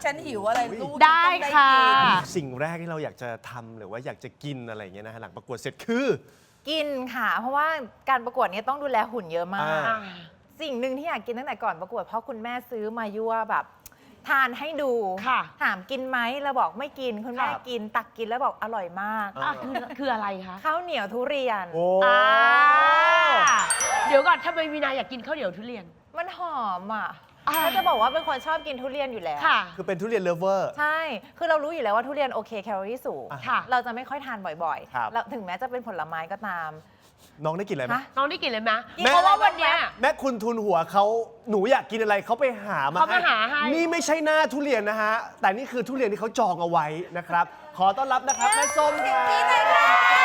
ฉันหิวอะไรลูกได้ค่ะสิ่งแรกที่เราอยากจะทำหรือว่าอยากจะกินอะไรอย่างเงี้ยนะฮะหลังประกวดเสร็จคือกินค่ะ เพราะว่าการประกวดเนี้ต้องดูแลหุ่นเยอะมากอ่าสิ่งหนึ่งที่อยากกินตั้งแต่ก่อนประกวดเพราะคุณแม่ซื้อมายั่วแบบทานให้ดูค่ะถามกินไหมเราบอกไม่กินคุณแม่กินตักกินแล้วบอกอร่อยมากคืออะไรคะข้าวเหนียวทุเรียนโอ้เดี๋ยวก่อนทำไมวีนาอยากกินข้าวเหนียวทุเรียนมันหอมอ่ะเขาจะบอกว่าเป็นคนชอบกินทุเรียนอยู่แล้วค่ะคือเป็นทุเรียนเลฟเวอร์ใช่ คือเรารู้อยู่แล้วว่าทุเรียนโอเคแคลอรี่สูงค่ะเราจะไม่ค่อยทานบ่อยครับๆแล้วถึงแม้จะเป็นผลไม้ก็ตามน้องได้กินอะไรไหมฮะน้องได้กินเลยไหมกินเพราะว่าวันเนี้ยแม่คุณทุนหัวเขาหนูอยากกินอะไรเขาไปหามาเขามาหาให้นี่ไม่ใช่หน้าทุเรียนนะฮะ แต่นี่คือทุเรียนที่เขาจองเอาไว้นะครับ ขอต้อนรับนะครับแม่ส้มครับ